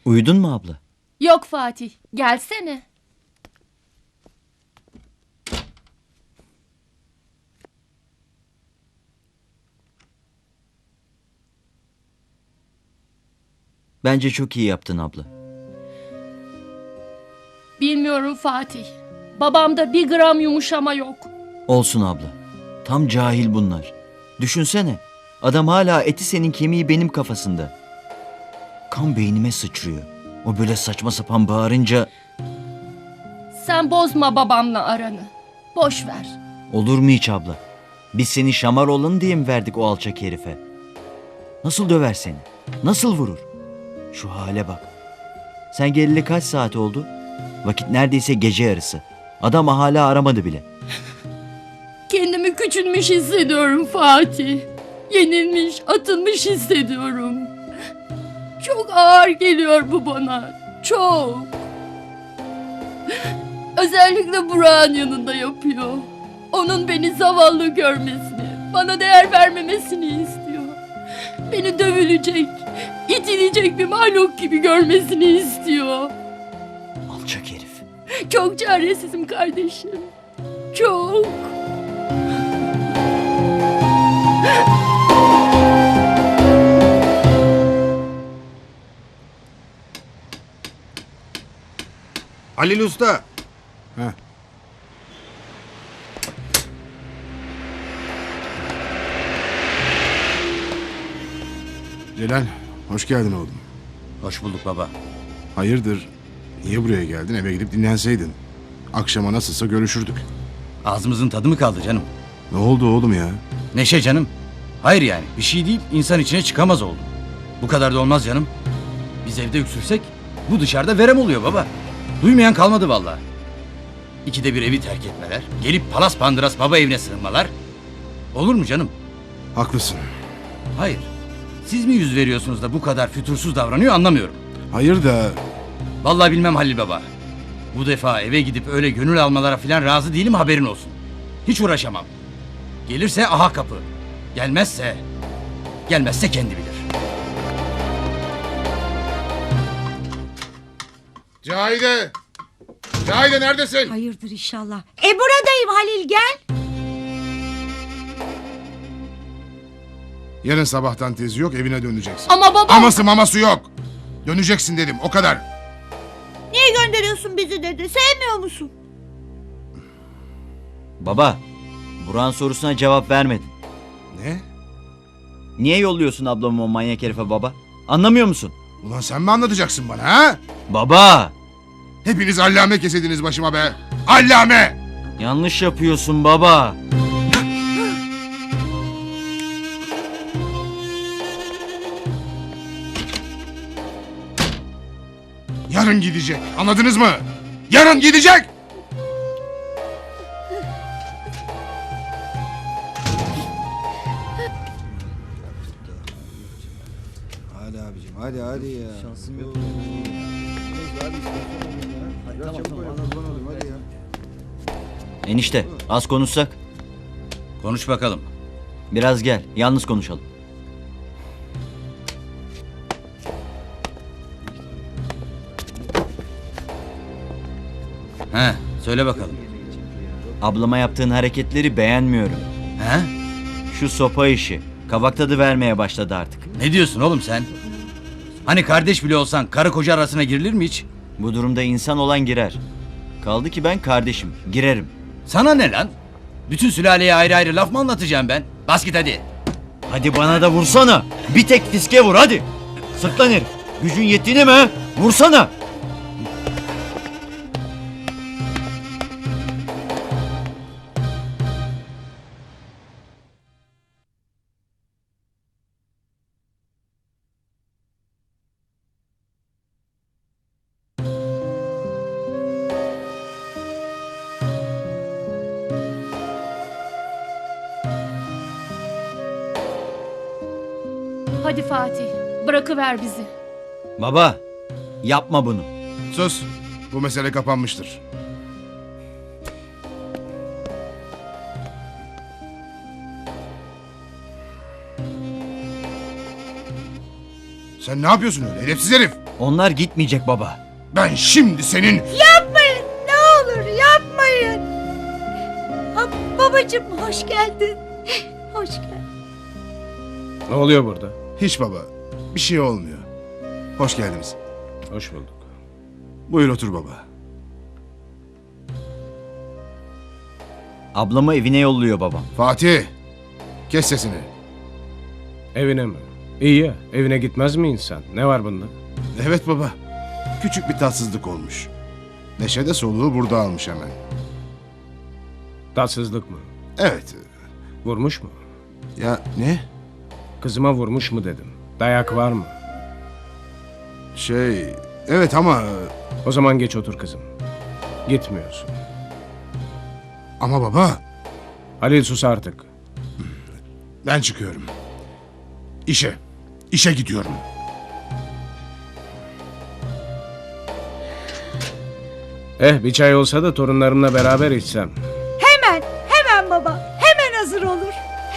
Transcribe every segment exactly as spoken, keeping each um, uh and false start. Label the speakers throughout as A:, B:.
A: Uyudun mu abla?
B: Yok Fatih, gelsene.
A: Bence çok iyi yaptın abla.
B: Bilmiyorum Fatih. Babamda bir gram yumuşama yok.
A: Olsun abla. Tam cahil bunlar. Düşünsene. Adam hala eti senin kemiği benim kafasında. Kan beynime sıçrıyor. O böyle saçma sapan bağırınca
B: Sen bozma babamla aranı. Boş ver.
A: olur mu hiç abla? Biz seni şamar olanı diye mi verdik o alçak herife? Nasıl döver seni? Nasıl vurur? Şu hale bak. Sen geleli kaç saat oldu? Vakit neredeyse gece yarısı. Adam hala aramadı bile.
B: Kendimi küçülmüş hissediyorum Fatih. Yenilmiş, atılmış hissediyorum. Çok ağır geliyor bu bana. Çok. Özellikle Burak'ın yanında yapıyor. Onun beni zavallı görmesini, bana değer vermemesini istiyor. Beni dövülecek, itilecek bir mahluk gibi görmesini istiyor.
A: Alçak herif.
B: Çok çaresizim kardeşim. Çok.
C: Halil Usta.
D: Heh. Celal, hoş geldin oğlum.
C: Hoş bulduk baba.
D: Hayırdır? Niye buraya geldin? Eve gidip dinlenseydin. Akşama nasılsa görüşürdük.
C: Ağzımızın tadı mı kaldı canım?
D: Ne oldu oğlum ya?
C: Neşe canım. Hayır yani bir şey değil insan içine çıkamaz oldu. Bu kadar da olmaz canım. Biz evde öksürsek bu dışarıda verem oluyor baba. Duymayan kalmadı vallahi. İkide bir evi terk etmeler. Gelip palas pandıras baba evine sığınmalar. Olur mu canım?
D: Haklısın.
C: Hayır. Siz mi yüz veriyorsunuz da bu kadar fütursuz davranıyor anlamıyorum.
D: Hayır da
C: Vallahi bilmem Halil baba. Bu defa eve gidip öyle gönül almalara falan razı değilim haberin olsun. Hiç uğraşamam. Gelirse aha kapı. Gelmezse... Gelmezse kendi bilir.
D: Cahide! Cahide neredesin?
E: Hayırdır inşallah. E buradayım Halil, gel.
D: Yarın sabahtan tezi yok, evine döneceksin.
B: Ama baba...
D: Aması maması yok. Döneceksin dedim, o kadar.
E: Niye gönderiyorsun bizi dedi? Sevmiyor musun?
A: Baba, Burak'ın sorusuna cevap vermedin.
D: Ne?
A: Niye yolluyorsun ablamı o manyak herife baba? Anlamıyor musun?
D: Ulan sen mi anlatacaksın bana ha?
A: Baba!
D: Hepiniz allame kesediniz başıma be. Allame!
A: Yanlış yapıyorsun baba.
D: Yarın gidecek, anladınız mı? Yarın gidecek!
F: Hadi abicim hadi hadi ya. Şansım yok.
A: Enişte, az konuşsak.
C: Konuş bakalım.
A: Biraz gel, yalnız konuşalım.
C: He, söyle bakalım.
A: Ablama yaptığın hareketleri beğenmiyorum.
C: He?
A: Şu sopa işi, kabak tadı vermeye başladı artık.
C: Ne diyorsun oğlum sen? Hani kardeş bile olsan karı koca arasına girilir mi hiç?
A: Bu durumda insan olan girer. Kaldı ki ben kardeşim, girerim.
C: Sana ne lan? Bütün sülaleye ayrı ayrı laf mı anlatacağım ben? Bas git hadi.
A: Hadi bana da vursana. Bir tek fiske vur hadi. Sırtlan herif. Gücün yettiğine mi? ha? Vursana.
B: Hadi Fatih, bırakıver bizi.
A: Baba, yapma bunu.
D: Sus, bu mesele kapanmıştır. Sen ne yapıyorsun öyle edepsiz herif?
A: Onlar gitmeyecek baba.
D: Ben şimdi senin...
E: Yapmayın ne olur yapmayın. Ha, babacığım hoş geldin. Hoş geldin.
G: Ne oluyor burada?
D: Hiç baba. Bir şey olmuyor. Hoş geldiniz.
G: Hoş bulduk.
D: Buyur otur baba.
A: Ablamı evine yolluyor babam.
D: Fatih. Kes sesini.
G: Evine mi? İyi ya, evine gitmez mi insan? Ne var bunda?
D: Evet baba. Küçük bir tatsızlık olmuş. Neşe de soluğu burada almış hemen.
G: Tatsızlık mı?
D: Evet.
G: Vurmuş mu?
D: Ya ne?
G: Kızıma vurmuş mu dedim. Dayak var mı?
D: Şey... Evet ama...
G: O zaman geç otur kızım. Gitmiyorsun.
D: Ama baba...
G: Halil sus artık.
D: Ben çıkıyorum. İşe. İşe gidiyorum.
G: Eh bir çay olsa da torunlarımla beraber içsem.
E: Hemen hemen baba hemen hazır olur.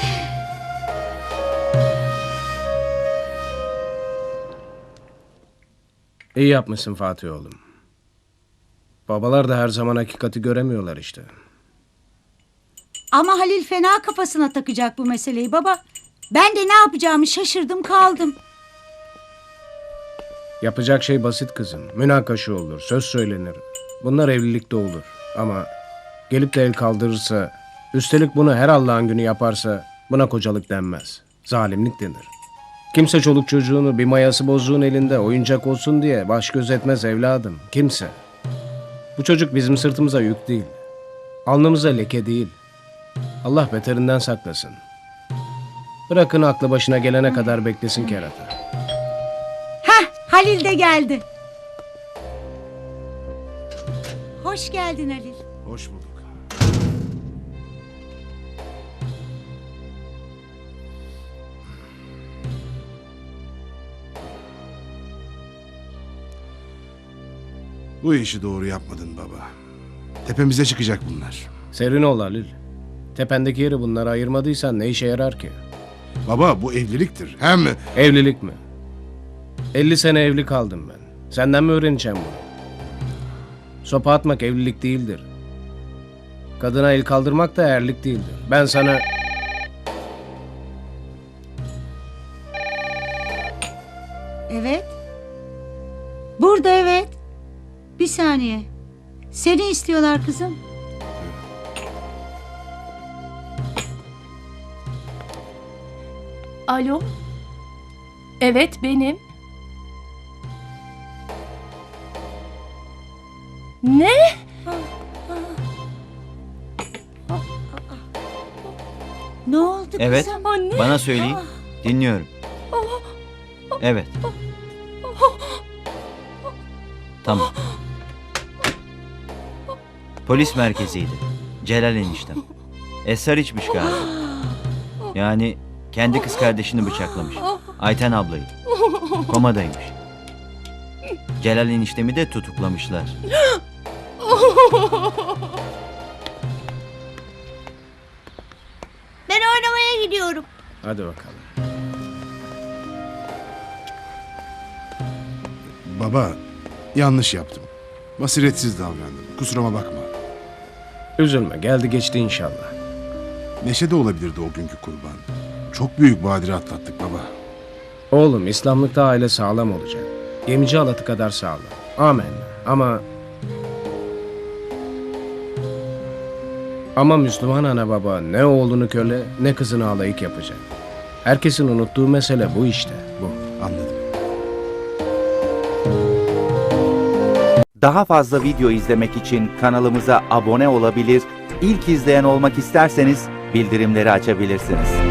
G: İyi yapmışsın Fatih oğlum. Babalar da her zaman hakikati göremiyorlar işte.
H: Ama Halil fena kafasına takacak bu meseleyi baba. Ben de ne yapacağımı şaşırdım kaldım.
G: Yapacak şey basit kızım. Münakaşa olur, söz söylenir. Bunlar evlilikte olur. Ama gelip de el kaldırırsa, üstelik bunu her Allah'ın günü yaparsa buna kocalık denmez. Zalimlik denir. Kimse çoluk çocuğunu bir mayası bozuğun elinde oyuncak olsun diye baş göz etmez evladım. Kimse. Bu çocuk bizim sırtımıza yük değil. Alnımıza leke değil. Allah beterinden saklasın. Bırakın aklı başına gelene kadar beklesin kerata.
H: Heh, Halil de geldi. Hoş geldin Halil.
D: Hoş bulduk. Bu işi doğru yapmadın baba. Tepemize çıkacak bunlar.
G: Serin ol Halil. Tependeki yeri bunlara ayırmadıysan ne işe yarar ki?
D: Baba bu evliliktir. Hem...
G: Evlilik mi? elli sene evli kaldım ben. Senden mi öğreneceğim bunu? Sopa atmak evlilik değildir. Kadına el kaldırmak da erlik değildir. Ben sana...
H: Evet. Burada evet. Bir saniye. Seni istiyorlar kızım.
B: Alo? Evet benim. Ne?
H: Ne oldu
A: Evet.
H: kızım?
B: Anne.
A: Bana söyleyin. Dinliyorum. Evet. Tamam. Polis merkeziydi. Celal eniştem. Esrar içmiş galiba. Yani kendi kız kardeşini bıçaklamış. Ayten ablayı. Komadaymış. Celal eniştemi de tutuklamışlar.
E: Ben oynamaya gidiyorum.
G: Hadi bakalım.
D: Baba yanlış yaptım. Basiretsiz davrandım. Kusuruma bakma.
G: Üzülme, geldi geçti inşallah.
D: Neşe de olabilirdi o günkü kurban. Çok büyük badire atlattık baba.
G: Oğlum, İslamlıkta aile sağlam olacak. Gemici halatı kadar sağlam. Amen. Ama... Ama Müslüman ana baba ne oğlunu köle ne kızını alayık yapacak. Herkesin unuttuğu mesele bu işte, bu.
D: Anladım.
I: Daha fazla video izlemek için kanalımıza abone olabilir, ilk izleyen olmak isterseniz bildirimleri açabilirsiniz.